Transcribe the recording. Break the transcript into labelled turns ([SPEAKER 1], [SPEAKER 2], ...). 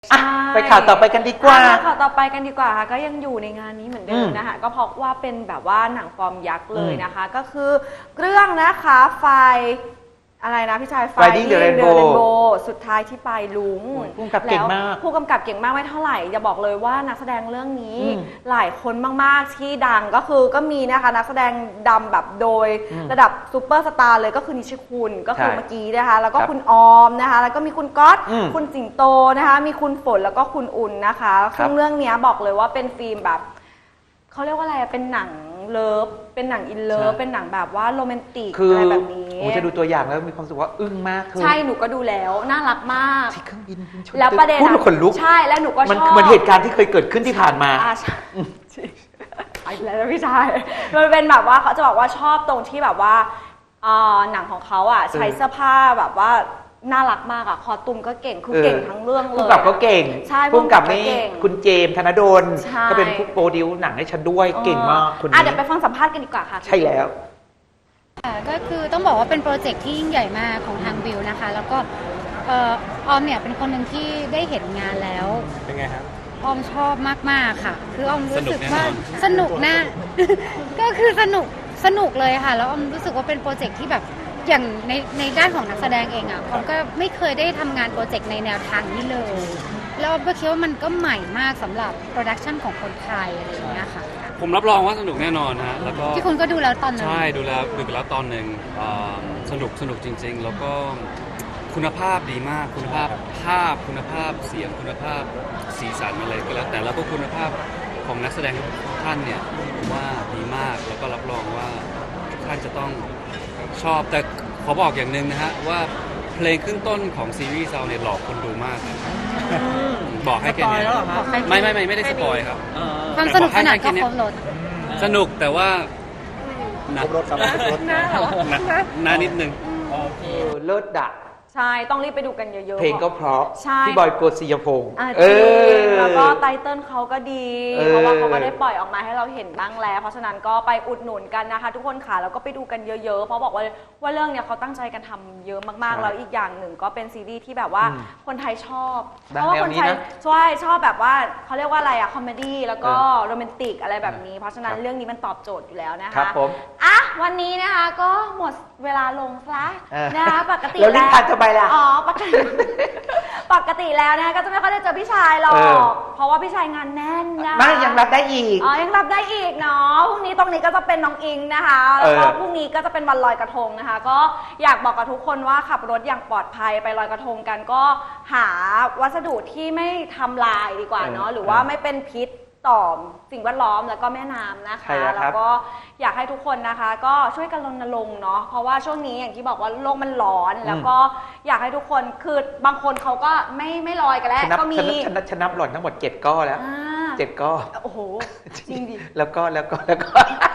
[SPEAKER 1] ใช่
[SPEAKER 2] ไปข่าวต่อไปกันดีกว่า
[SPEAKER 1] ข่าวต่อไปกันดีกว่าค่ะก็ยังอยู่ในงานนี้เหมือนเดิมนะคะก็เพราะว่าเป็นแบบว่าหนังฟอร์มยักษ์เลยนะคะก็คือเรื่องนะคะไฟอะไรนะพี่ชาย
[SPEAKER 2] Finding the Rainbow
[SPEAKER 1] สุดท้ายที่ปลายลุง
[SPEAKER 2] ผู้กำกับเก่งมาก
[SPEAKER 1] ผู้กำกับเก่งมากไม่เท่าไหร่จะบอกเลยว่านักแสดงเรื่องนี้หลายคนมากๆที่ดังก็มีนะคะนักแสดงดำแบบโดยระดับซูเปอร์สตาร์เลยก็คือนิชคุณก็คือเมื่อกี้นะคะแล้วก็คุณออมนะคะแล้วก็มีคุณก๊อตคุณสิงโตนะคะมีคุณฝนแล้วก็คุณอุ่นนะคะซึ่งเรื่องนี้บอกเลยว่าเป็นฟิล์มแบบเขาเรียกว่าอะไรเป็นหนังเลิฟเป็นหนังอินเลิฟเป็นหนังแบบว่าโรแมนติกอะไรแบบนี้
[SPEAKER 2] ผมจะดูตัวอย่างแล้วมีความรู้สึกว่าอึ้งมาก
[SPEAKER 1] ใช่หนูก็ดูแล้วน่ารักมาก
[SPEAKER 2] ที่เครื่องบิน
[SPEAKER 1] แล้วประเด็น
[SPEAKER 2] พูดแล้วขนลุก
[SPEAKER 1] ใช่แล้วหนูก็ชอบ
[SPEAKER 2] มันเหมือนเหตุการณ์ที่เคยเกิดขึ้นที่ผ่านมา
[SPEAKER 1] ใช่ไอ้แล้วพี่ชายมันเป็นแบบว่าเขาจะบอกว่าชอบตรงที่แบบว่าหนังของเขาอ่ะใช้เสื้อผ้าแบบว่าน่ารักมากอ่ะคอตุมก็เก่งคือเก่งทั้งเรื่องเลย
[SPEAKER 2] ผู้กำกับก็เก่ง
[SPEAKER 1] ใช่
[SPEAKER 2] ผู้กำกับนี่คุณเจมส์ธนดลก็เป็นผู้โปรดิวหนังให้ฉันด้วยเก่งมากคนนี้
[SPEAKER 1] เดี๋ยวไปฟังสัมภาษณ์กันดีกว่าค่ะ
[SPEAKER 2] ใช่แล้ว
[SPEAKER 3] ก็คือต้องบอกว่าเป็นโปรเจกต์ที่ยิ่งใหญ่มากของทางวิวนะคะแล้วก็ออมเนี่ยเป็นคนหนึ่งที่ได้เห็นงานแล้ว
[SPEAKER 4] เป็นไงครับ
[SPEAKER 3] ออมชอบมากๆค่ะคือออมรู้สึกว่าสนุกนะ ก็คือสนุกเลยค่ะแล้วออมรู้สึกว่าเป็นโปรเจกต์ที่แบบอย่างในด้านของนักแสดงเองอ่ะออมก็ไม่เคยได้ทำงานโปรเจกต์ในแนวทางนี้เลยแล้วออมก็คิดว่ามันก็ใหม่มากสำหรับโปรดักชันของคนไทยอะไรอย่างเงี้ยค่ะ
[SPEAKER 4] ผมรับรองว่าสนุกแน่นอนฮะแล้วก็
[SPEAKER 3] ที่คุณก็ดูแล้วตอนนึง
[SPEAKER 4] ใช่ดูไปแล้วตอนหนึ่งสนุกจริงๆแล้วก็คุณภาพดีมากคุณภาพภาพคุณภาพเสียงคุณภาพสีสันอะไรก็แล้วแต่แล้วก็คุณภาพของนักแสดงทุกท่านเนี่ยผมว่าดีมากแล้วก็รับรองว่าทุกท่านจะต้องชอบแต่ขอบอกอย่างหนึ่งนะฮะว่าเพลงขึ้นต้นของซีรีส์เราเนี่ยหลอกคนดูมากบอกให้แค่นี้ไม่ได้สปอยครับ
[SPEAKER 3] ความสนุกสนานก็ครบรส
[SPEAKER 4] สนุกแต่ว่า
[SPEAKER 2] ครบรถครับ
[SPEAKER 4] นานิดนึง
[SPEAKER 2] เลิศดะ
[SPEAKER 1] ใช่ต้องรีบไปดูกันเยอะๆ
[SPEAKER 2] เพลงก็เพราะพี่บอยโกศิยพงศ์
[SPEAKER 1] แล้วก็ไตเติ้ลเขาก็ดีเพราะว่าเขาก็ได้ปล่อยออกมาให้เราเห็นบ้างแล้วเพราะฉะนั้นก็ไปอุดหนุนกันนะคะทุกคนค่ะแล้วก็ไปดูกันเยอะๆเพราะบอกว่าเรื่องเนี้ยเขาตั้งใจกันทำเยอะมากๆแล้วอีกอย่างหนึ่งก็เป็นซีรีส์ที่แบบว่าคนไทยชอบเพราะว่าคนไทยชอบแบบว่าเขาเรียกว่าอะไรอะคอมเมดี้แล้วก็โรแมนติกอะไรแบบนี้เพราะฉะนั้นเรื่องนี้มันตอบโจทย์อยู่แล้วนะคะ
[SPEAKER 2] ครับผม
[SPEAKER 1] วันนี้นะคะก็หมดเวลาลงซะนะคะปกติ
[SPEAKER 2] แล้วลิ้นพันทำไมล่ะ
[SPEAKER 1] ปกติแล้วนะคะก็จะไม่ค่อยได้เจอพี่ชายหรอกเพราะว่าพี่ชายงานแน่นนะ
[SPEAKER 2] ไม่ยังรับได้อีก
[SPEAKER 1] ยังรับได้อีกเนาะพรุ่งนี้ตรงนี้ก็จะเป็นน้องอิงนะคะแล้วก็พรุ่งนี้ก็จะเป็นวันลอยกระทงนะคะก็อยากบอกกับทุกคนว่าขับรถอย่างปลอดภัยไปลอยกระทงกันก็หาวัสดุที่ไม่ทำลายดีกว่าเนาะหรือว่าไม่เป็นพิษต่อสิ่งแวดล้อมแล้วก็แม่น้ำนะคะแล้วก็อยากให้ทุกคนนะคะก็ช่วยกันรณรงค์เนาะเพราะว่าช่วงนี้อย่างที่บอกว่าโลกมันร้อนแล้วก็อยากให้ทุกคนคือบางคนเขาก็ไม่ลอยกันแล้วก็มี
[SPEAKER 2] ฉันนับหล่อนทั้งหมด7 ก้อแล้ว7 ก้อ
[SPEAKER 1] โอ้โหจริงดิ
[SPEAKER 2] แล้วก็